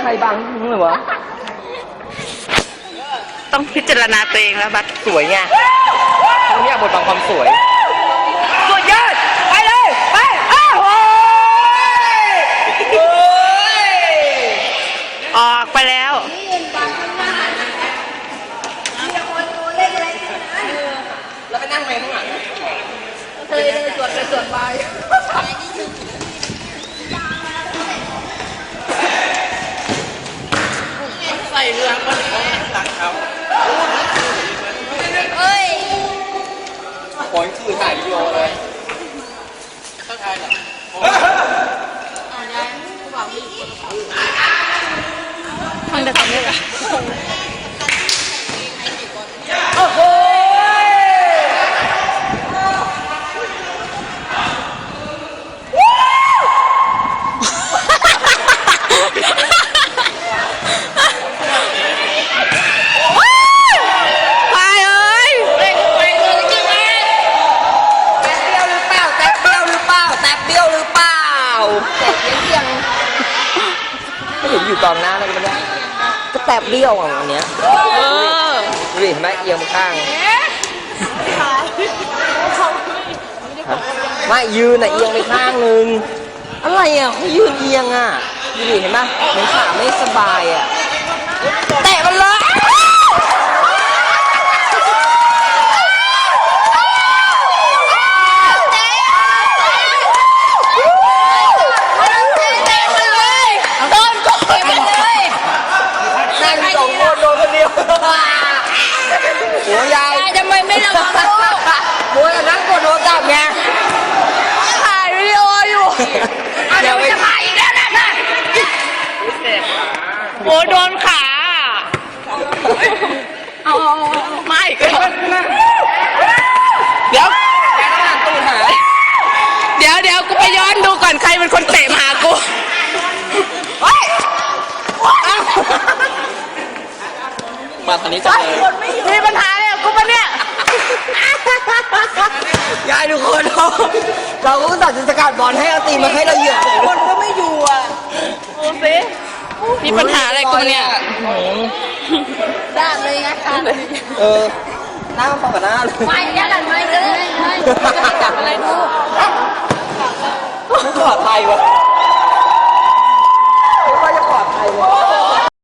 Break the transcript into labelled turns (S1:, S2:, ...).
S1: รบังมึงเหรอวะ
S2: ต้องพิจารณาตัวเองแล้วบัด
S1: สวยไงเขาอยากบทบังความสวยสุดยอดไปเลยไปอ้าว
S2: ออกไปแล้ว
S1: แล้วไปนั่งไหมข้างหลัง
S3: เธอเลยตรวจไปตรวจมา
S1: ใส่เรือคนหลังเขา
S3: เอ้ย
S1: ขอคือถ่ายวิดีโอเลยเข้าถ่ายเหรอ
S2: มันจะทำได้ไหม
S1: โอ้โหเห็นอยู่กองหน้าแล้วก็ไม่ได้ก็แตบเบี้ยวอ่ะวันเนี้ยดูดิเห็นไหมเอียงข้างไม่ยืนอ่ะเอียงไปข้างนึงอะไรอ่ะเขายืนเอียงอ่ะดูดิเห็นไหมเหมือนขาไม่สบายอ่ะแตะมันเลยโอ้ยาย
S3: ทำไมไม่ระวังลูก
S1: โอ้ยนั่งกดโทรศัพท์ไง
S3: ถ่ายวิดีโออยู่เดี๋ยวจะถ่ายอีกแล้วนะ
S2: โอ้โดนขาเอาไม่เดี๋ยวกูไปย้อนดูก่อนใครเป็นคนเตะมาหากู
S1: มาตอนนี้จะเลย
S2: มีปัญหาเลยกูปะเนี่ย
S1: ยายทุกคนเราก็ตัดสินสกัดบอลให้เอาตีมาให้เราเหยียบคนก็ไม่อยู่อ่ะ
S2: โอ้สิมีปัญหาอะไรกูเนี่ย
S3: ด้านเลยนะค่ะ
S1: หน้ามันพอกับหน้าเลย
S3: ไม่ยัดอะไรเลยจับอะไรดู
S1: ไม่ปลอดภัยวะไม่ว่าจะปลอดภัยวะ